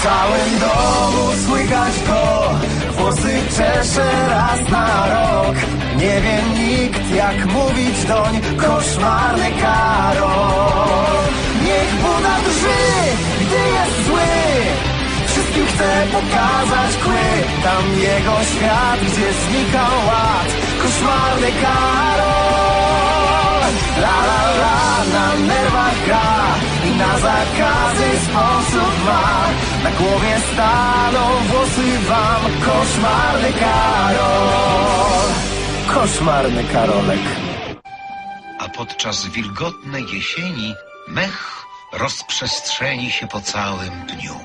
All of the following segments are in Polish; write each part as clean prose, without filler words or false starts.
całym domu słychać go, włosy czesze raz na rok. Nie wie nikt, jak mówić doń, koszmarny Karol. Niech Buda drży, gdy jest zły, wszystkim chce pokazać kły. Tam jego świat, gdzie znika ład, koszmarny Karol. La la la, na nerwach gra i na zakazy sposób ma. Na głowie staną włosy wam, koszmarny Karol. Koszmarny Karolek. A podczas wilgotnej jesieni mech rozprzestrzeni się po całym dniu.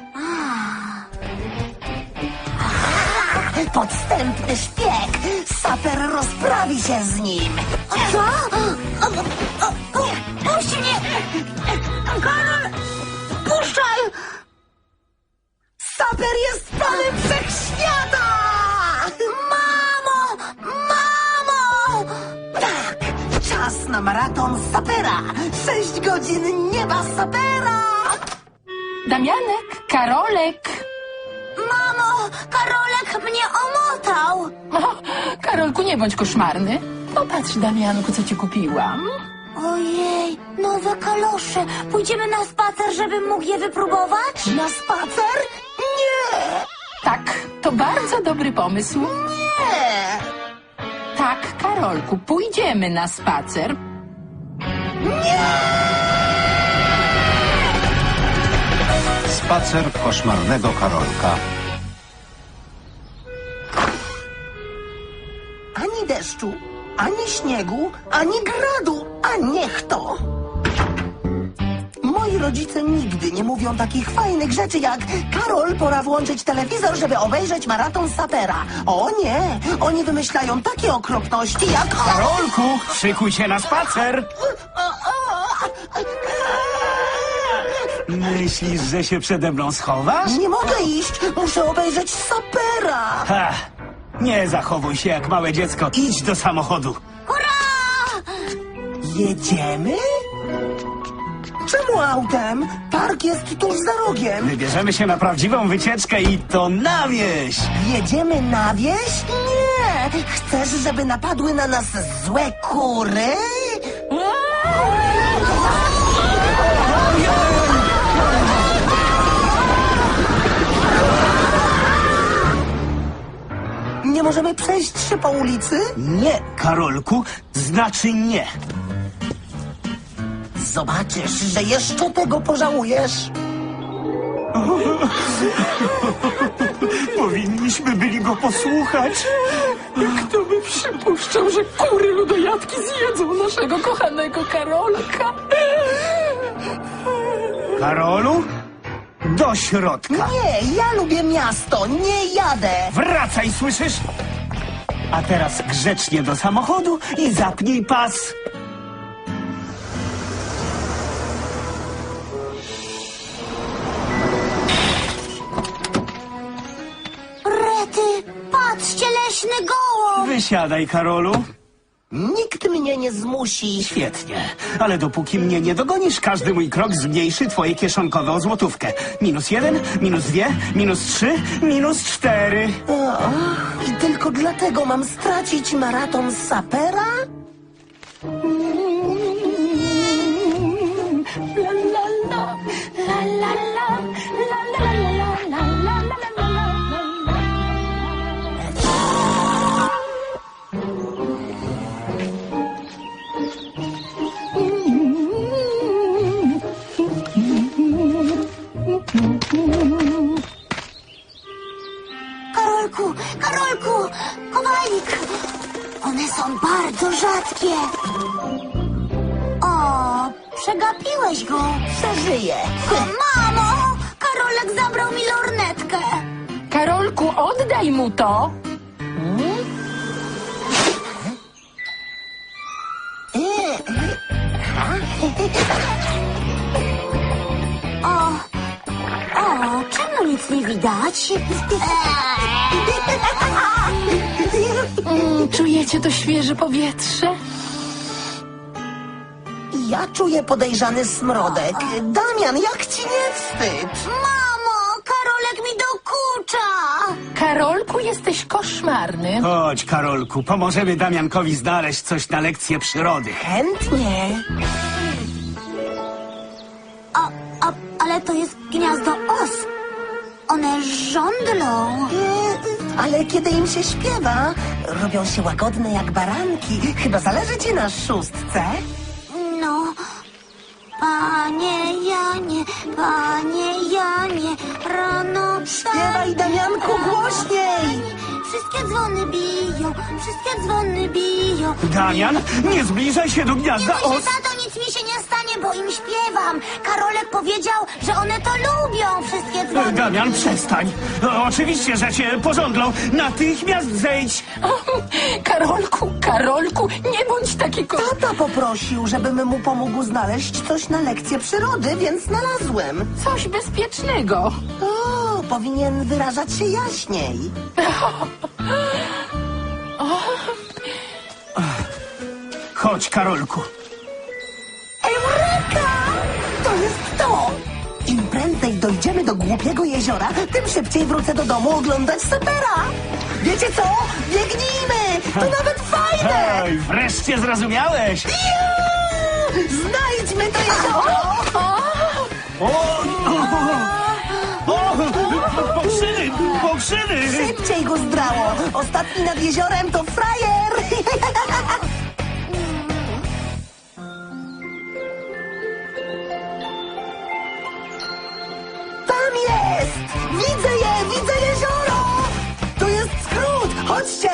Podstępny szpieg! Saper rozprawi się z nim! Co? Puść mnie! Karol! Puszczaj! Saper jest panem wszechświata! Mamo! Mamo! Tak! Czas na maraton Sapera! 6 godzin nieba Sapera! Damianek, Karolek. Mamo! Karolek mnie omotał! O, Karolku, nie bądź koszmarny. Popatrz, Damianku, co ci kupiłam. Ojej, nowe kalosze. Pójdziemy na spacer, żebym mógł je wypróbować? Na spacer? Nie! Tak, to bardzo dobry pomysł. Nie! Tak, Karolku, pójdziemy na spacer. Spacer koszmarnego Karolka. Ani deszczu, ani śniegu, ani gradu, a niech to! Moi rodzice nigdy nie mówią takich fajnych rzeczy jak Karol, pora włączyć telewizor, żeby obejrzeć maraton Sapera. O nie, oni wymyślają takie okropności jak... Karolku, szykuj się na spacer. Myślisz, że się przede mną schowasz? Nie mogę iść, muszę obejrzeć Sapera. Ha! Nie zachowuj się jak małe dziecko. Idź do samochodu. Hurra! Jedziemy? Czemu autem? Park jest tuż za rogiem. Wybierzemy się na prawdziwą wycieczkę i to na wieś. Jedziemy na wieś? Nie! Chcesz, żeby napadły na nas złe kury? Nie możemy przejść się po ulicy? Nie, Karolku, znaczy nie. Zobaczysz, że jeszcze tego pożałujesz. Powinniśmy byli go posłuchać. Kto by przypuszczał, że kury ludojadki zjedzą naszego kochanego Karolka? Karolu, do środka. Nie, ja lubię miasto, nie jadę. Wracaj, słyszysz? A teraz grzecznie do samochodu i zapnij pas. Rety, patrzcie, leśny gołąb. Wysiadaj, Karolu. Nikt mnie nie zmusi. Świetnie, ale dopóki mnie nie dogonisz, każdy mój krok zmniejszy twoje kieszonkowe o złotówkę. -1, -2, -3, -4. I tylko dlatego mam stracić maraton Sapera? La la la, la la la, la la la la la la la la. Karolku, Karolku, kowalik. One są bardzo rzadkie. O, przegapiłeś go. Przeżyję. Mamo, Karolek zabrał mi lornetkę. Karolku, oddaj mu to. O, czemu nic nie widać? Czujecie to świeże powietrze? Ja czuję podejrzany smrodek. Damian, jak ci nie wstyd? Mamo, Karolek klucza! Karolku, jesteś koszmarny. Chodź, Karolku, pomożemy Damiankowi znaleźć coś na lekcję przyrody. Chętnie. Ale to jest gniazdo os. One żądlą. Ale kiedy im się śpiewa, robią się łagodne jak baranki. Chyba zależy ci na szóstce? No, panie Janie, rano Śpiewaj, Damianku, głośniej! Wszystkie dzwony biją. Damian, nie zbliżaj się do Nie gniazda bój się, os! tato, nic mi się nie stanie, bo im śpiewam. Karolek powiedział, że one to lubią, wszystkie dzwony. Damian, przestań. No, oczywiście, że cię pożądlą. Natychmiast zejdź. Karolku, nie bądź taki Tata poprosił, żebym mu pomógł znaleźć coś na lekcję przyrody, więc znalazłem. Coś bezpiecznego. O, powinien wyrażać się jaśniej. Chodź, Karolku. Eureka! To jest to! Im prędzej dojdziemy do głupiego jeziora, tym szybciej wrócę do domu oglądać sapera. Wiecie co? Biegnijmy! To nawet fajne! Hej, wreszcie zrozumiałeś. Znajdźmy to jezioro! Pokrzyny! Szybciej go zdrało! Ostatni nad jeziorem to frajer! Tam jest! Widzę jezioro! To jest skrót! Chodźcie!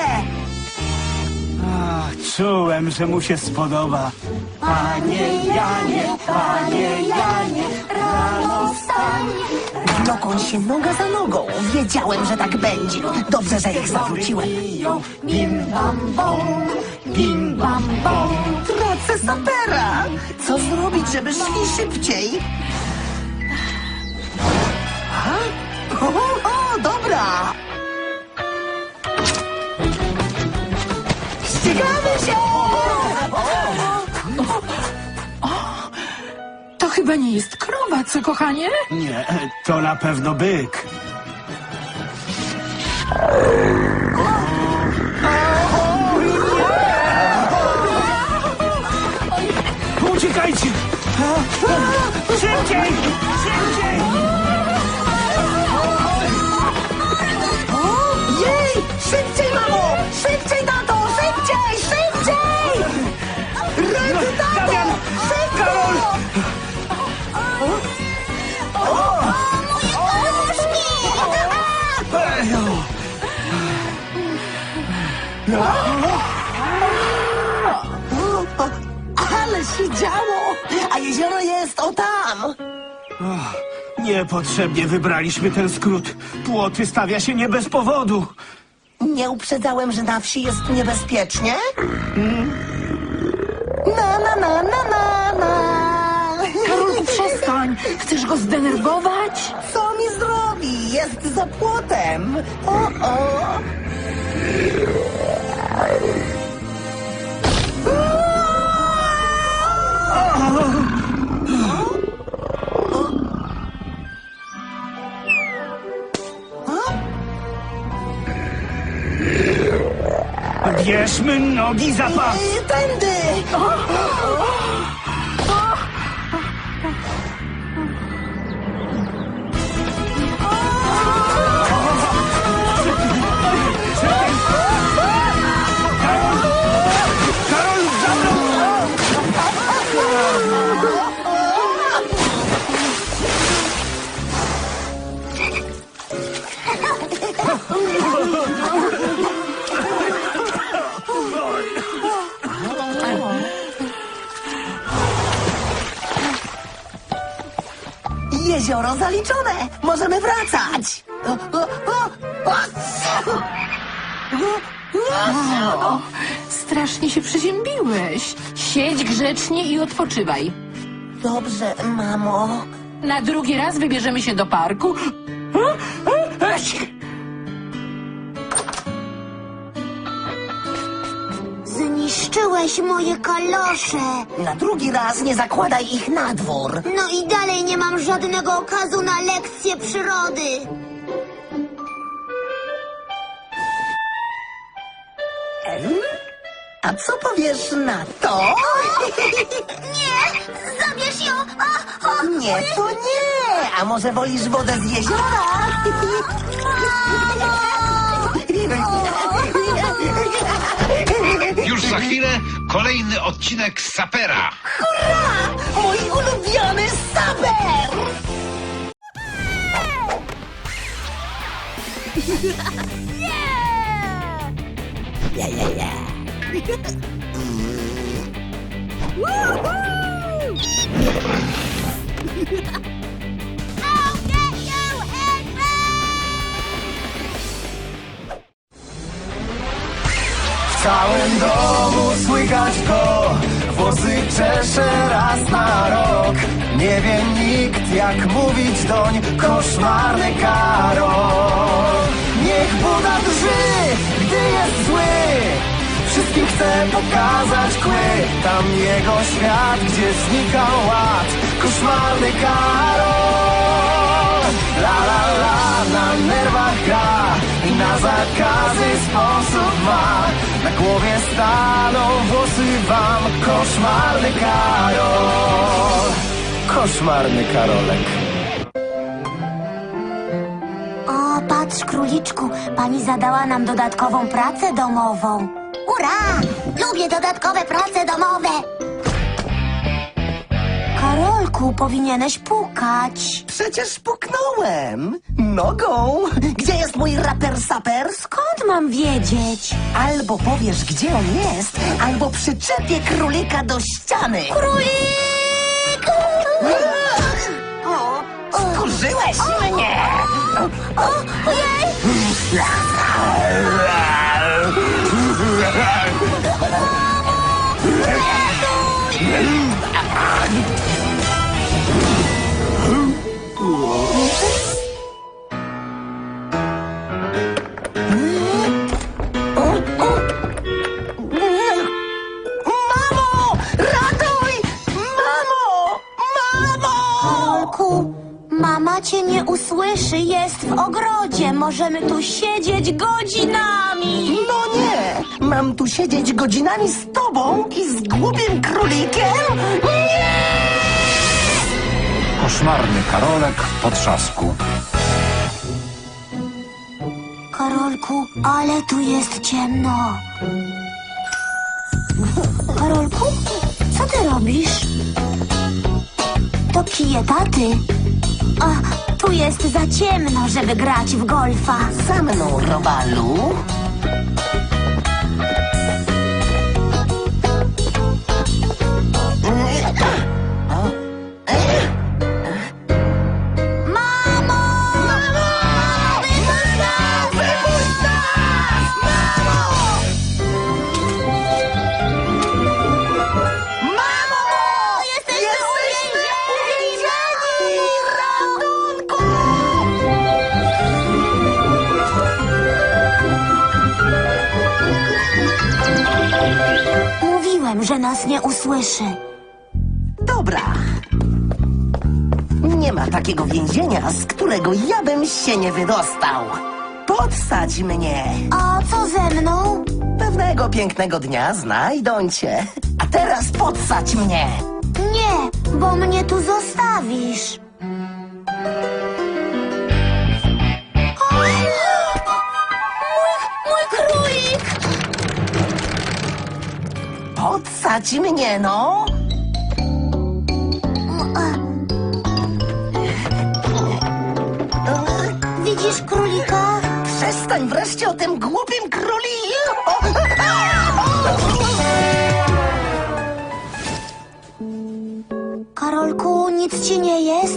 Czułem, że mu się spodoba. Panie Janie, rano wstań! Wloką się noga za nogą. Wiedziałem, że tak będzie. Dobrze, że ich zawróciłem. Bim bam bom. Tracę sapera! Co zrobić, żeby szli szybciej? O, dobra! Ścigamy się! To chyba nie jest krowa, co kochanie? Nie, to na pewno byk. Uciekajcie! Szybciej! Szybciej! Jej! Szybciej, mamo! Szybciej, tato! Szybciej! Ręce, tato! Damian! Karol! Ale się działo! A jezioro jest o tam! Niepotrzebnie wybraliśmy ten skrót. Płoty stawia się nie bez powodu. Nie uprzedzałem, że na wsi jest niebezpiecznie? Na. Karolku, przestań. Chcesz go zdenerwować? Co mi zrobi? Jest za płotem. O. Bierzmy nogi za pas. Tędy! Karol, za mną! Jezioro zaliczone! Możemy wracać! Strasznie się przeziębiłeś. Siedź grzecznie i odpoczywaj. Dobrze, mamo. Na drugi raz wybierzemy się do parku. Zniszczyłeś moje kalosze. Na drugi raz nie zakładaj ich na dwór. No i dalej nie mam żadnego okazu na lekcję przyrody. A co powiesz na to? Nie, zabierz ją! Nie, to nie! A może wolisz wodę z jeziora? Już za chwilę kolejny odcinek Sapera. Mój ulubiony saper! W całym domu słychać go, włosy czesze raz na rok. Nie wie nikt, jak mówić doń, koszmarny Karol. Niech Buda drży, gdy jest zły, wszystkim chce pokazać kły. Tam jego świat, gdzie znika ład, koszmarny Karol. La la la, na nerwach gra i na zakazy sposób ma. Na głowie staną włosy wam, koszmarny Karol. Koszmarny Karolek. O, patrz, króliczku, pani zadała nam dodatkową pracę domową. Ura! Lubię dodatkowe prace domowe. Karolku, powinieneś pukać. Przecież puknąłem nogą. Gdzie jest mój raper saper? Skąd mam wiedzieć? Albo powiesz, gdzie on jest, albo przyczepię królika do ściany. Królik! Skurzyłeś mnie! Ojej! Mamo! Ratuj! Mamo! Mamo! Karolku, mama cię nie usłyszy, jest w ogrodzie. Możemy tu siedzieć godzinami. No nie! Mam tu siedzieć godzinami z tobą i z głupim królikiem? Nie! Koszmarny Karolek w potrzasku. Karolku, ale tu jest ciemno. Karolku, co ty robisz? To kije taty. A, tu jest za ciemno, żeby grać w golfa. Za mną, Robalu. Mamo! Mamo! Wypuść nas! Wypuść nas! Mamo! Jesteśmy uwięzieni! Ratunku! Mówiłem, że nas nie usłyszy. Dobra. Nie ma takiego więzienia, z którego ja bym się nie wydostał. Podsadź mnie. A co ze mną? Pewnego pięknego dnia znajdą cię. A teraz podsadź mnie. Nie, bo mnie tu zostawisz. O, mój królik! Podsadź mnie, no. Widzisz królika? Przestań wreszcie o tym głupim króliku. Karolku, nic ci nie jest?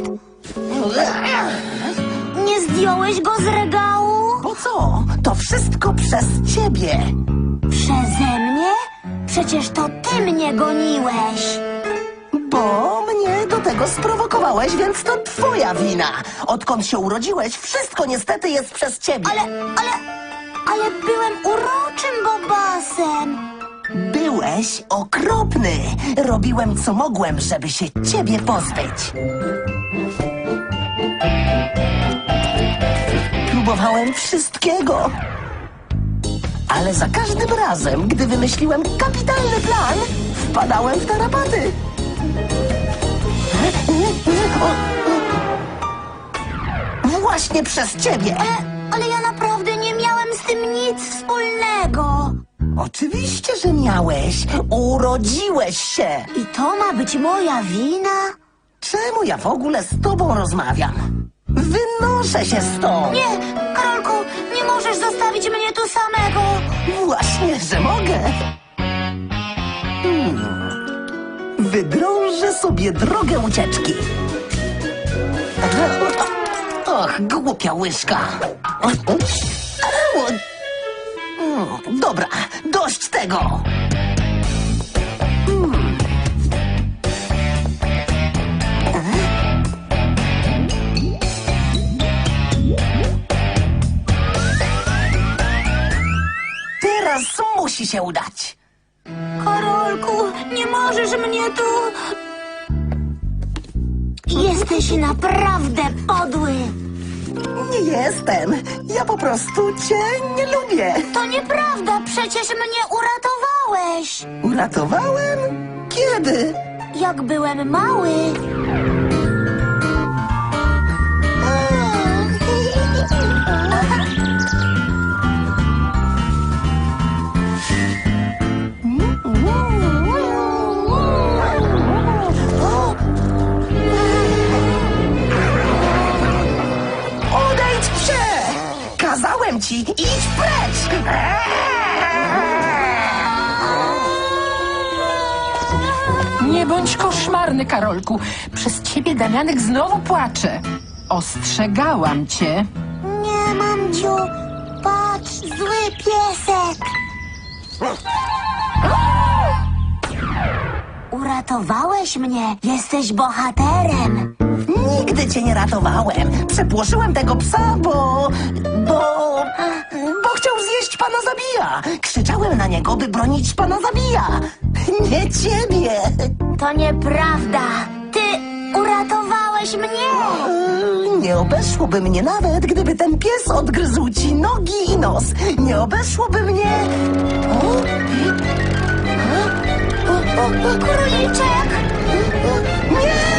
Nie zdjąłeś go z regału? Po co? To wszystko przez ciebie. Przeze mnie? Przecież to ty mnie goniłeś. Bo mnie do tego sprowokowałeś, więc to twoja wina. Odkąd się urodziłeś, wszystko niestety jest przez ciebie. Ale byłem uroczym bobasem. Byłeś okropny. Robiłem co mogłem, żeby się ciebie pozbyć. Próbowałem wszystkiego. Ale za każdym razem, gdy wymyśliłem kapitalny plan, wpadałem w tarapaty. Właśnie przez ciebie. Ale ja naprawdę nie miałem z tym nic wspólnego. Oczywiście, że miałeś. Urodziłeś się. I to ma być moja wina? Czemu ja w ogóle z tobą rozmawiam? Wynoszę się stąd. Nie, Karolku, nie możesz zostawić mnie tu samego. Właśnie, że mogę. Wydrążę sobie drogę ucieczki. Och, głupia łyżka. Dobra, dość tego. Teraz musi się udać. Karolku, nie możesz mnie tu... Jesteś naprawdę podły. Nie jestem. Ja po prostu cię nie lubię. To nieprawda, przecież mnie uratowałeś. Uratowałem? Kiedy? Jak byłem mały. Odejdź psie! Kazałem ci, idź precz! Nie bądź koszmarny, Karolku. Przez ciebie Damianek znowu płacze. Ostrzegałam cię. Nie, mamciu, patrz, zły piesek. Uratowałeś mnie, jesteś bohaterem. Nigdy cię nie ratowałem. Przepłoszyłem tego psa, bo chciał zjeść pana Zabija. Krzyczałem na niego, by bronić pana Zabija. Nie ciebie. To nieprawda. Ty uratowałeś mnie. Nie obeszłoby mnie nawet, gdyby ten pies odgryzł ci nogi i nos. Nie obeszłoby mnie... Króliczek. Nie!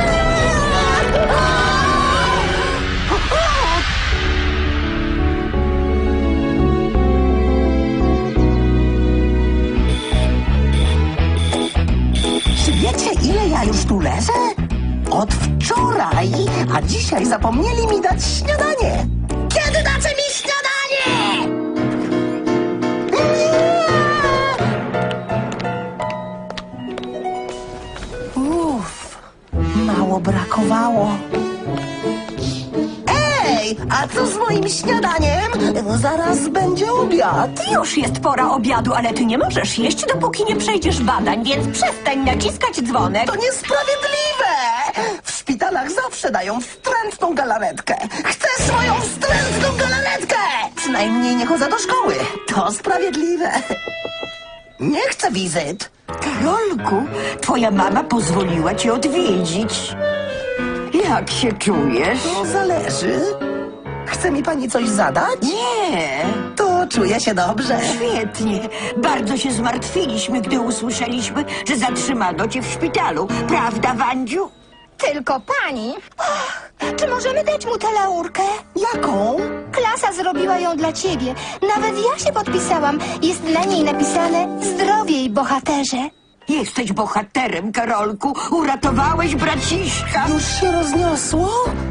Czy wiecie, ile ja już tu leżę? Od wczoraj, a dzisiaj zapomnieli mi dać śniadanie. Kiedy dacie mi śniadanie? Uff, mało brakowało. Ej, a co z moim śniadaniem? Zaraz będzie obiad. Już jest pora obiadu, ale ty nie możesz jeść, dopóki nie przejdziesz badań, więc przestań naciskać dzwonek. To niesprawiedliwe! W szpitalach zawsze dają wstrętną galaretkę. Chcę swoją wstrętną galaretkę! Przynajmniej nie chodzę do szkoły. To sprawiedliwe. Nie chcę wizyt. Karolku, twoja mama pozwoliła cię odwiedzić. Jak się czujesz? To zależy. Chce mi pani coś zadać? Nie, To czuję się dobrze. świetnie. Bardzo się zmartwiliśmy, gdy usłyszeliśmy, że zatrzymano cię w szpitalu. Prawda, Wandziu? Tylko pani. Czy możemy dać mu tę laurkę? Jaką? Klasa zrobiła ją dla ciebie. Nawet ja się podpisałam. Jest na niej napisane zdrowiej, bohaterze. Jesteś bohaterem, Karolku. Uratowałeś braciszka. Już się rozniosło?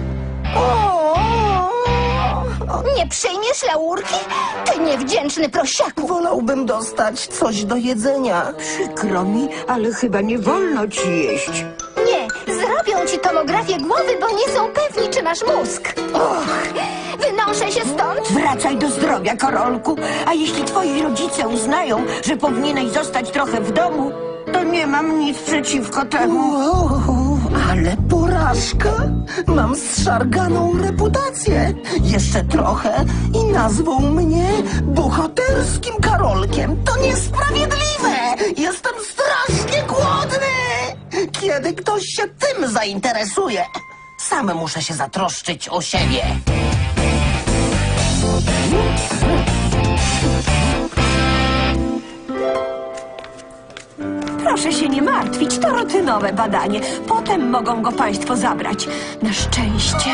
Nie przyjmiesz laurki? Ty niewdzięczny prosiaku. Wolałbym dostać coś do jedzenia. Przykro mi, ale chyba nie wolno ci jeść. Nie, zrobią ci tomografię głowy, bo nie są pewni, czy masz mózg. Wynoszę się stąd. Wracaj do zdrowia, Karolku. A jeśli twoi rodzice uznają, że powinieneś zostać trochę w domu, to nie mam nic przeciwko temu. Wow, ale porażka! Mam zszarganą reputację. Jeszcze trochę i nazwą mnie bohaterskim Karolkiem. To niesprawiedliwe! Jestem strasznie głodny! Kiedy ktoś się tym zainteresuje, sam muszę się zatroszczyć o siebie. Proszę się nie martwić, to rutynowe badanie. Potem mogą go państwo zabrać. Na szczęście.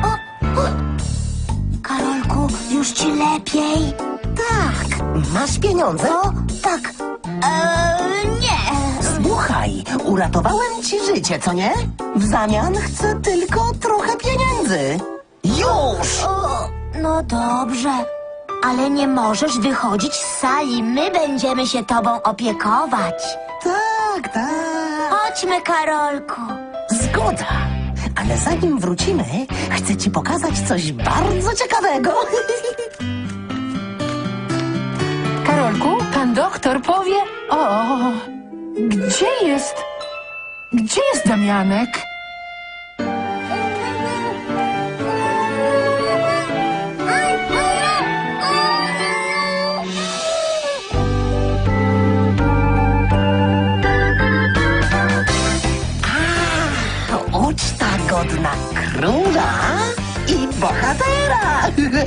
Karolku, już ci lepiej? Tak, masz pieniądze? O, tak. Nie. Słuchaj, uratowałem ci życie, co nie? W zamian chcę tylko trochę pieniędzy. Już! O, no dobrze. Ale nie możesz wychodzić z sali. My będziemy się tobą opiekować. Tak, tak. Chodźmy, Karolku. Zgoda. Ale zanim wrócimy, chcę ci pokazać coś bardzo ciekawego. Karolku, pan doktor powie... O, gdzie jest... Gdzie jest Damianek? To uczta godna króla i bohatera.